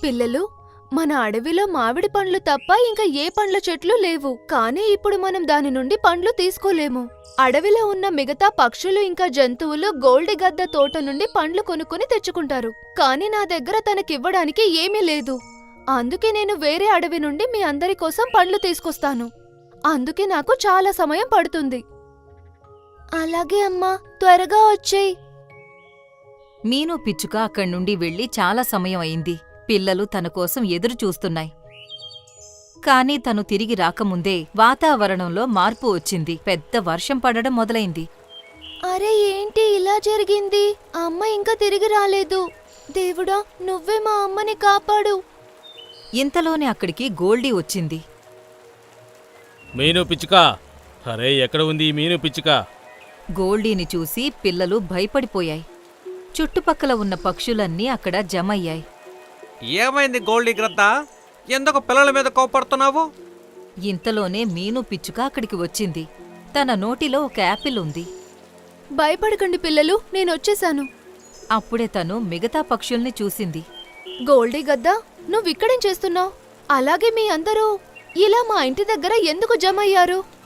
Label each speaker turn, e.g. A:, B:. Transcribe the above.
A: పిల్లలు, మన అడవిలో మామిడి పండ్లు తప్ప ఇంకా ఏ పండ్ల చెట్లు లేవు. కానీ ఇప్పుడు మనం దాని నుండి పండ్లు తీసుకోలేము. అడవిలో ఉన్న మిగతా పక్షులు ఇంకా జంతువులు గోల్డీ గద్ద తోట నుండి పండ్లు కొనుక్కొని తెచ్చుకుంటారు. కానీ నా దగ్గర తనకివ్వడానికి ఏమీ లేదు. అందుకే నేను వేరే అడవి నుండి మీ అందరి కోసం పండ్లు తీసుకొస్తాను. అందుకే నాకు చాలా సమయం పడుతుంది. అలాగే అమ్మా, త్వరగా వచ్చేయ్.
B: మీను పిచ్చుక అక్కడి నుండి వెళ్లి చాలా సమయం అయింది. పిల్లలు తన కోసం ఎదురు చూస్తున్నాయి. కాని తను తిరిగి రాకముందే వాతావరణంలో మార్పు వచ్చింది. పెద్ద వర్షం పడడం మొదలైంది.
A: అరే, ఏంటి ఇలా జరిగింది? అమ్మ ఇంకా తిరిగి రాలేదు. దేవుడా, నువ్వే మా అమ్మని కాపాడు.
B: ఇంతలోనే అక్కడికి గోల్డీ వచ్చింది.
C: మీను పిచ్చుక, అరే ఎక్కడ ఉంది ఈ మీను పిచ్చుక?
B: గోల్డీని చూసి పిల్లలు భయపడిపోయాయి. చుట్టుపక్కల ఉన్న పక్షులన్నీ అక్కడ జమయ్యాయి.
D: ఏమైంది గోల్డీ గ్రద్ద? ఎందుకు పిల్లల మీద కోపడుతున్నావు?
B: ఇంతలోనే మీను పిచ్చుక అక్కడికి వచ్చింది. తన నోటిలో ఒక యాపిల్ ఉంది.
A: భయపడకండి పిల్లలు, నేనొచ్చేశాను.
B: అప్పుడే తను మిగతా పక్షుల్ని చూసింది.
A: గోల్డీ గద్దా, నువ్విక్కడేం చేస్తున్నావు? అలాగే మీ అందరూ ఇలా మా ఇంటి దగ్గర ఎందుకు జమయ్యారు?